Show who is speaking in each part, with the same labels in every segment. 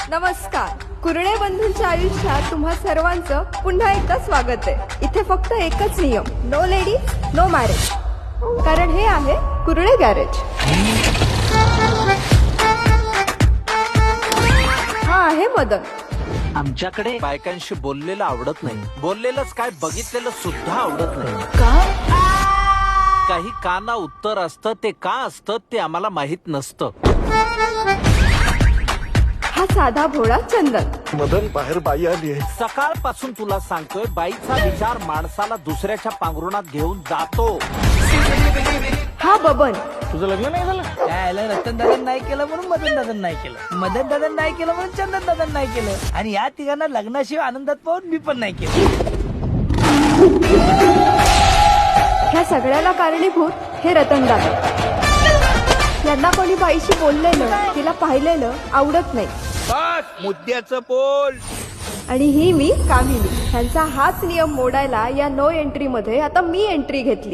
Speaker 1: नमस्कार. कुरणे बंधूंच्या आयुष्यात तुम्हा सर्वांचं पुन्हा एकदा स्वागत आहे. इथे फक्त एकच नियम, नो लेडीज नो मॅरेज. कारण हे आहे कुरणे गॅरेज. हा आहे मदन.
Speaker 2: आमच्याकडे बायकांशी बोललेलं आवडत नाही. बोललेलंच काय बघितलेलं सुद्धा आवडत नाही. काही का ना उत्तर असतं, ते का असतं ते आम्हाला माहित नसतं.
Speaker 1: हा साधा भोळा चंदन.
Speaker 3: मदन बाहेर बाई आली आहे.
Speaker 2: सकाळपासून तुला सांगतोय, बाईचा विचार माणसाला दुसऱ्याच्या पांघरुणात घेऊन जातो.
Speaker 1: हा बबन.
Speaker 4: तुझं लग्न नाही झालं काय? रतन दादन नाही केलं म्हणून मदन दादन नाही केलं, मदन दादन नाही केलं म्हणून चंदन दादन नाही केलं, आणि या तिघांना लग्नाशिवाय आनंदात पाहून मी पण नाही केलं.
Speaker 1: ह्या सगळ्याला कारणीभूत हे रतन दादा. यांना कोणी बाईशी बोललेलं, तिला पाहिलेलं आवडत नाही.
Speaker 4: मुद्द्याचं बोल.
Speaker 1: आणि ही मी कामिनी. ह्यांचा हाच नियम मोडायला या नो एंट्री मध्ये आता मी एंट्री घेतली.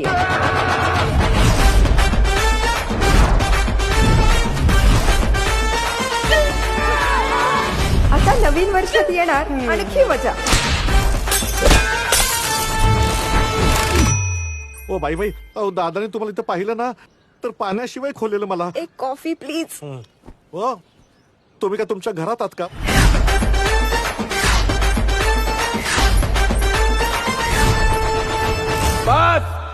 Speaker 1: आता नवीन वर्षात येणार आणखी मजा.
Speaker 3: ओ बाई बाई, अहो दादाने तुम्हाला इथं पाहिलं ना तर पाण्याशिवाय खोलेलं मला.
Speaker 1: एक कॉफी प्लीज.
Speaker 3: हो, तुम्ही का तुमच्या घरात आहात का?
Speaker 4: बस